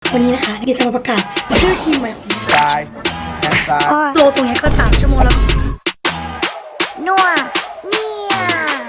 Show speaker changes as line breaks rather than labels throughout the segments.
วันนี้นะคะที่จะมาประกาศชื่อทีมใหม่ของเรา
ซ้ายแขนซ้าย
โลตรงนี้ก็3 ชั่วโมงแล้วนัวเนี่ย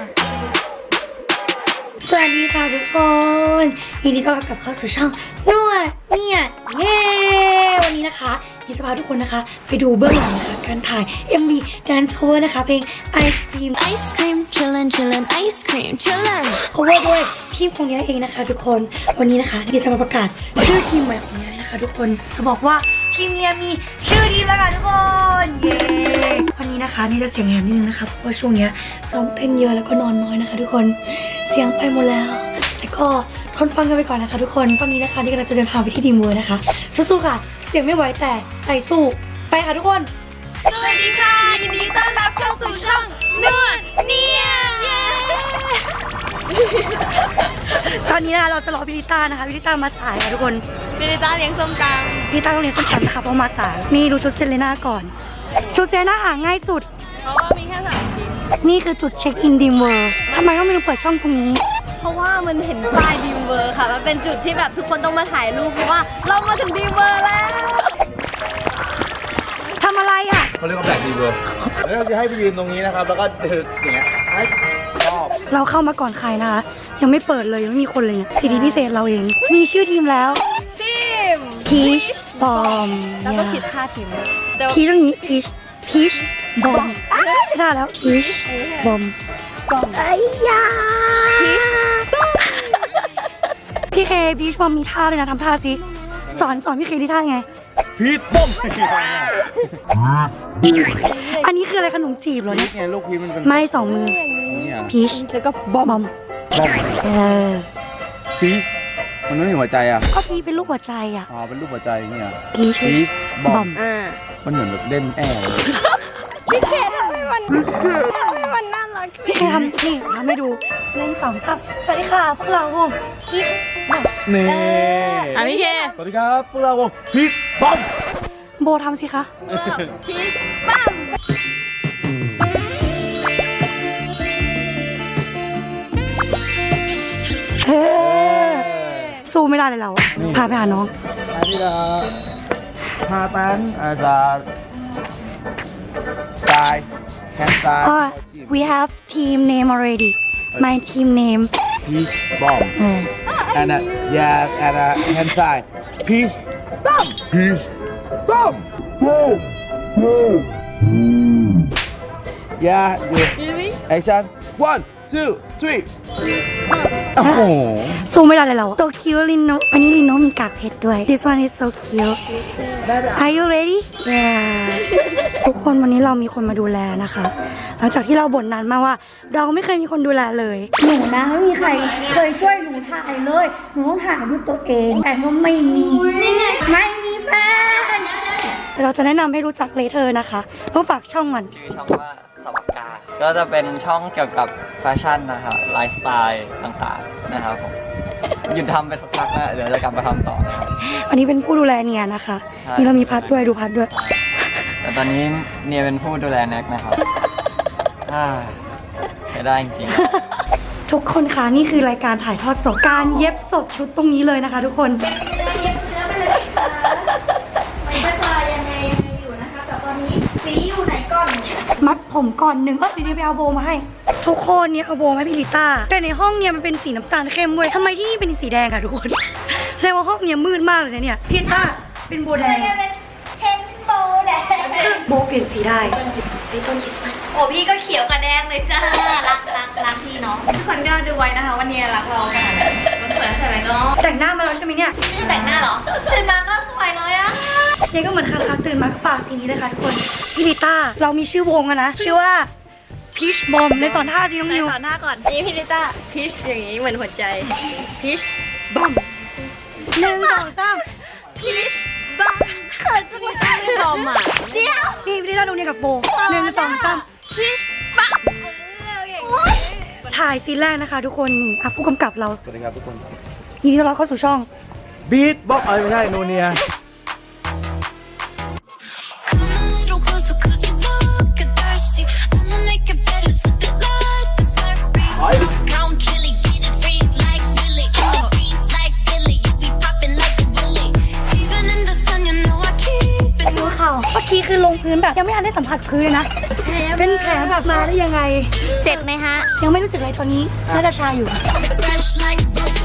สวัสดีค่ะทุกคนยินดีต้อนรับกลับเข้าสู่ช่องนัวเนี่ยเย้วันนี้นะคะที่จะพาทุกคนนะคะไปดูเบื้องหลังนะคะการถ่าย MV Dance Cover นะคะเพลง Ice Cream
Ice cream chillin' chillin' ice cream chillin'
cover ด้วยทีมของเนี้ยเองนะคะทุกคนวันนี้นะคะที่จะมาประกาศชื่อทีมใหม่ของเนี้ยนะคะทุกคนจะบอกว่าทีมเนี้ยมีชื่อทีมแล้วค่ะทุกคนเย้วันนี้นะคะนี่จะเสียงแหบนิดนึงนะคะเพราะว่าช่วงเนี้ยซ้อมเต้นเยอะแล้วก็นอนน้อยนะคะทุกคนเสียงไปหมดแล้วแต่ก็ทนฟังกันไปก่อนนะคะทุกคนตอนนี้นะคะนี่กำลังจะเดินทางไปที่ดีมเวอร์นะคะสู้ๆค่ะเสียงไม่ไหวแต่ใจสู้ไปค่ะทุกคน
สวัสดีค่ะยินดีต้อนรับเข้าสู่ช่องนวดเนี่ยเย้
ตอนนี้นะคะเราจะรอพิลิต้านะคะพิลิต้ามาสายค่ะทุกคน
พิลิต้าเลี้ยงส้มต
พิลิต้าต้องเรียนต้นตำนะคะเพราะมาสายนี่ดูชุดเซเลน่าก่อนชุดเซเลน่าหาง่ายสุด
ำเพราะว่ามีแค่3 ชิ้น
นี่คือจุดเช็คอินดีมเวอร์ทำไมต้องมีเปิดช่องตรงนี้
เพราะว่ามันเห็นป้ายดีมเวอร์ค่ะมันเป็นจุดที่แบบทุกคนต้องมาถ่ายรูปเพราะว่าเรามาถึงดีมเวอร์แล้ว
ทำอะไรอ่ะ
เขาเรียกว่าแบล็คดีเวอร์แล้วเราจะให้ไปยืนตรงนี้นะครับแล้วก็เดินอย่างเงี้ยให้รอบ
เราเข้ามาก่อนใครนะคะยังไม่เปิดเลยยังไม่มีคนเลยเนี่ยสิทธิพิเศษเราเองมีชื่อทีมแล้ว
ทีม
พีชบอม
แล้วก็ผิดท่าทีมเดี๋ยว
พีชตรงนี้พีชบอมไม่ได้แล้วพีชบอมไอ้ยา
พีช
พี่เคพีชบอมมีท่าเลยนะทำท่าสิสอนพี่เคที่ท่าไง
พีทบ้อม
อันนี้คืออะไรขนมจีบเหรอ
พี
เนี่ย
ทไงลูกพีทมันเป็น
ไม่2 มือ
เนี่ย
พีช
แล้วก็บอม
บอม
บ้อม
เ
พีทมันไม่มีหัวใจอ่ะ
ก็พีชเป็นลูกหัวใจอ่ะ
อ๋อเป็นรูปหัวใจเนี่ย
พีช
พีทบบ อ
อ
ม
ม
มันเหมือนแบบเล่นแอร์เลย
พี่เคทำให้มันน่ารัก
พี่เคทำนี่ทำให้ดูเล่น2 ซับสวัสดีค่ะพวกเราวงพีชบอม
นี่
พี่เค
สวัสดีครับพวกเราวงพีทบ้อม
โบทำสิคะ
พีชปั้ม
เฮ้สู้ไม่ได้เลยเราอะพาไปหาน้อง
อันนี้ละพาตันอาจจะซ้ายแขนซ้าย
we have team name already my team name
พีชบ้อม and yeah and hand side peace bomb peace bomb yeah good action 1 2 3โอ้โห
สู้ไม่ได้เลยเรา so cute ลินโนอันนี้ลินโนมีกากเพชรด้วย this one is so cute are you ready yeah ทุกคนวันนี้เรามีคนมาดูแลนะคะหลังจากที่เราบ่นนานมากว่า เราไม่เคยมีคนดูแลเลยหนูนะไม่มีใครเคยช่วยหนูถ่ายเลยหนูต้องถ่ายด้วยตัวเองแต่ก็ไม่มีไม่มีแฟนเราจะแนะนำให้รู้จักเลเธอร์นะคะต้องฝากช่องมัน
ชื่อช่องว่าสวัสกาก็จะเป็นช่องเกี่ยวกับแฟชั่นนะครับไลฟ์สไตล์ต่างๆนะครับผมหยุดทำไปสักพักแล้วเดี๋ยวจะกลับมาทำต่อนะครับ
อันนี้เป็นผู้ดูแลเนียนะคะ
ใช่
นี่เรามีพัดด้วยดูพัดด้วย
แต่ตอนนี้เนียเป็นผู้ดูแลแน็กนะครับใช้ได้จริงๆ
ทุกคนคะนี่คือรายการถ่ายทอดสดการเย็บสดชุดตรงนี้เลยนะคะ ทุกคนมัดผมก่อนหนึ่งเดี๋ยวไปเอาโบมาให้ ทุกคนเนี่ยเอาโบมาให้พี่ลิต้าแต่ในห้องเนี่ยมันเป็นสีน้ำตาลเข้มเว้ยทำไมที่นี่เป็นสีแดงค่ะทุกคนแสดงว่าห้องเนี่ยมืดมากเลยนะเนี่ยพี่ลิต้าเป็นโบแดงโบเปลี่ยนสีได้ไอ้ต้นคริสต์มาส
โอ้พี่ก็เขียวกับแดงเลยจ้ารักพี่เนาะทุกคนก็ดูไว้นะคะวันนี้รักเราขนาดไหน
มันสวยใช่ไหมก็
แต่งหน้ามาแล้วใช่ไหมเนี่ย
ไม่แต่งหน้าเหรอตื่นมาก็สวยเลยอะ
เนี่ยก็เหมือนคาตื่นมาก็ปากสีนี้เลยค่ะทุกคนพี่ลิต้าเรามีชื่อวงอะนะชื่อว่าพีชบอมในสอนท่าจริงน้อง
ไป
นิว
ต่อหน้าก่อน
นี่พี่ลิต้าพีชอย่างนี้เหมือนหัวใจพีชบอม
1 2 3
บ้าเขินจังเลยบอมอ่ะ
เดี๋ยว
นี่พี่ลิต้าดูเนี่ยกับโบ1 2 3พีชบอมถ่ายซีนแรกนะคะ ทุกคนอ่ะผู้กำกับเรา
สวัสดีครับทุกคน
ยินดีต้อนรับเข้าสู่ช่อง
บีทบ็อกไม่ใช่โนเนีย
Come a little closer 'cause you look thirsty. I'ma make it better, slip it like a slurpee. Crown chili, get it free like Willy. Greens like Billy, you be popping like a willy.
คือลงพื้นแบบยังไม่ทันได้สัมผัสพื้นนะเป็นแผลแบบมาได้ยังไง
เจ็บไหมฮะ
ยังไม่รู้สึกอะไรตอนนี้น่าจะชาอยู่
Fresh like roses.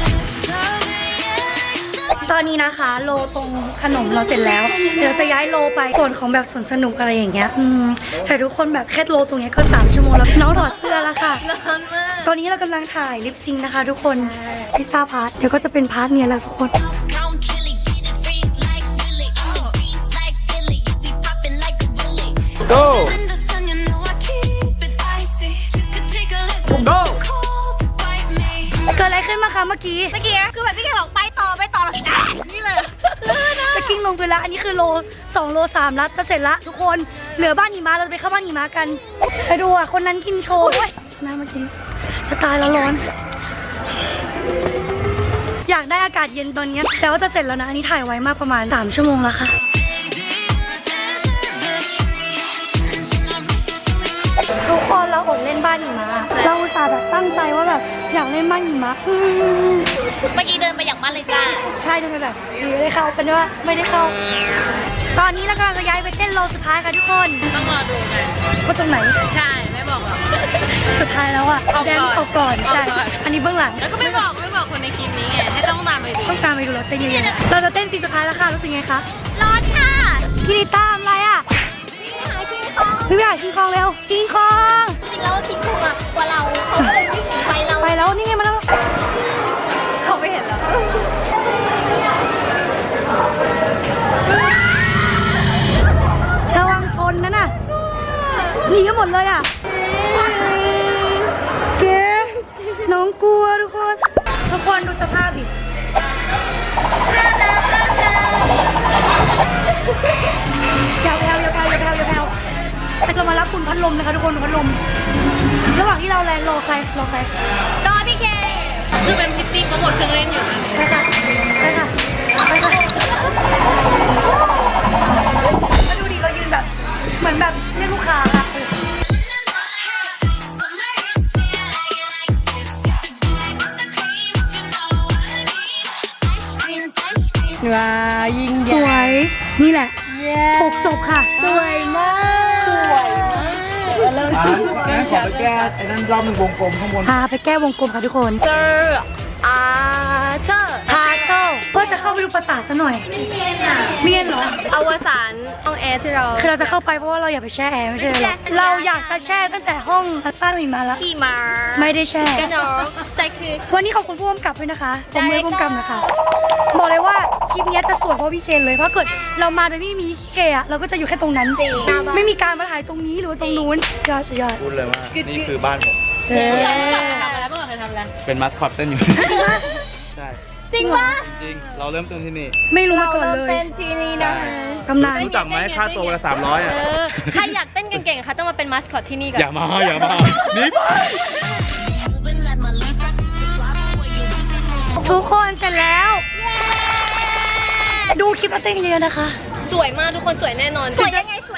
ตอนนี้นะคะ โลตรงขนมเราเสร็จแล้ว เดี๋ยวจะย้ายโลไปส่วนของแบบสวนสนุกอะไรอย่างเงี้ยแต่ทุกคนแบบแค่โลตรงเนี้ยก็3 ชั่วโมงแล้วน้องถอดเสื้อแล้วค่ะ
ร้อนมาก
ตอนนี้เรากำลังถ่ายลิปซิงค์นะคะทุกคนพิซซ่าพาร์ทเดี๋ยวก็จะเป็นพาร์ทเนี้ยแหละทุกคน
Count chili, get it free like Willy. I'm the beast like Billy. You be popping like a willy.
Go
In the sun, you know I keep it icy. You could take a look, but
Go.
it's cold to bite me.
เกิดอะไรขึ้นมาคะเมื่อกี้
คือแบบพี่แกบอกไปต่อแล้วนี่เลยลื่นนะ
จะกิ้งลงไปแล้วอันนี้คือโล2 โล 3แล้วจะเสร็จละทุกคนเหลือบ้านหิมะเราจะไปเข้าบ้านหิมะกันไปดูอ่ะคนนั้นกินโชว์ด้วยน้ำมากินจะตายแล้วร้อน อยากได้อากาศเย็นตอนนี้แต่ว่าจะเสร็จแล้วนะอันนี้ถ่ายไว้มากประมาณ3 ชั่วโมงแล้วค่ะ ทุกคนเราอดเล่นบ้านหิมะเราอุตส่าห์แบบตั้งใจว่าแบบอยากเล่นบ้านหิมะ
เมื่อกี้เดินไปอย่างบ้านเลยจ้า
ใช่ดูไปแบบไม่ได้เข้าเป็นว่าไม่ได้เข้า ตอนนี้เรากำลังจะย้ายไปเต้นโลสุดท้ายค่ะทุกคน
ต้องรอดูกัน
ว่าตรงไหน
ใช่ ไม่บอกหรอก
สุดท้ายแล้วอ่ะ
เอาก่อน
แดนออกก่อนใช่
เอาก่อน
อันนี้เบื้องหลัง
แล้วก็ไม่บอกคนในคลิปนี้ไง ให้ต้องตามไปดู
ต้องการไปดูเราเต้นเยอะๆเราจะเต้นซีนสุดท้ายแล้วค่ะรู้สึกไงคะ
ร้อนค่ะ
พี่ลิต้าทำอะไรอ่ะ
หาคิงคอง
พี่ไปหาคิงคองเร็วคิงคอง
จริงแล้วคิงคองอะกว่าเราเขาก็เลยวิ่งหนีไปเรา
ไปแล้วนี่ไงมาแล้ว
เขาไม่เห็นแล้ว
ระวังชนนะน่ะหนีกันหมดเลยอ่ะเก๋น้องกลัวทุกคนดูสภาพดิอย่าแผ่วแต่เรามารับคุณพัดลมนะคะทุกคนพัดลมระหว่างที่เราแลนรอใคร
รอพี่เคคือเป็นพิตตี้เขาหมดเครื่องเล่นอยู่นะ
ไปค่ะมาดูดิเรายืนแบบเหมือนแบบเรียกลูกค้าค่ะ
Summer is sweet, I like it like this. Get the bag with the cream, if you know what I mean. Ice cream, ice cream.
ว้ายิง
สวยนี่แหละปกจบค่ะ
สวยมาก
งั้นขอไปแก้ไอ้นั่นรอบหนึ่งวงกลมข้างบน
พาไปแก้วงกลมค่ะทุกคน
เจออาเจอ
พาเข้าก็จะเข้าไปดูปราสาทซะหน่อยเมียนเหรอ
อวสานห้องแอร์ที่เรา
คือเราจะเข้าไปเพราะว่าเราอยากไปแช่แอร์ไม่ใช่เหรอเราอยากจะแช่ตั้งแต่ห้องบ้านหิมะแล้ว
ขี่มา
ไม่ได้แช่
กันเนาะแต่คือ
วันนี้ขอบคุณผู้กำกับด้วยนะคะผมเลยผู้กำกับนะคะบอกเลยว่าคลิปนี้จะสวยเพราะพี่เคนเลยเพราะเกิดเรามาโดยไม่มีพี่เคอะเราก็จะอยู่แค่ตรงนั้นไม่มีการมาถ่ายตรงนี้หรือว่าตรงนู้นสุดยอด
พูดเลยว่านี่คือบ้านผม
เออ
เมื่อก่อนเคยทำอะไร
เป็นมัสคอตเต้นอยู่ ใช่
จริงปะ
จริงๆเราเริ่มต้นที่นี่
ไม่รู้มาก่อนเลย
เป็นทีนี้นะ
ตำนาน
รู้จักไหมค่าตัวละ300อ่ะ
ใครอยากเต้นเก่งๆค่ะต้องมาเป็นมาสคอตที่นี่ก่อน
อย่ามาหนี่ไป
Moving like my Lisa. Slide away, you easy.
ทุกคนเสร็จแล้ว ดูคลิปแล้วเต้นเยอะๆนะคะ
สวยมากทุกคนสวยแน่นอน สวยยังไง
ถึ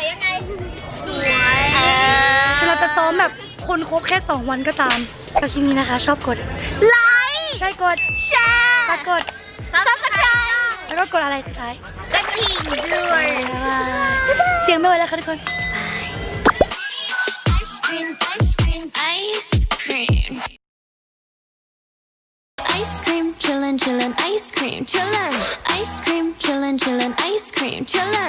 งเราจะซ้อมแบบคนครบแค่2 วันก็ตามแต่คลิปนี้นะคะ ชอบกดไลค์ใช่กดแชร์กด
ซับสไครต์
แล้วก็กดอะไรสุดท้าย
กระดิ่งด้วย
เสียงไม่ไหวแล้วค่ะทุกคน
Ice cream, ice cream, ice cream. Ice cream, chillin', chillin', ice cream, chillin'. Ice cream, chillin', chillin', ice cream, chillin'.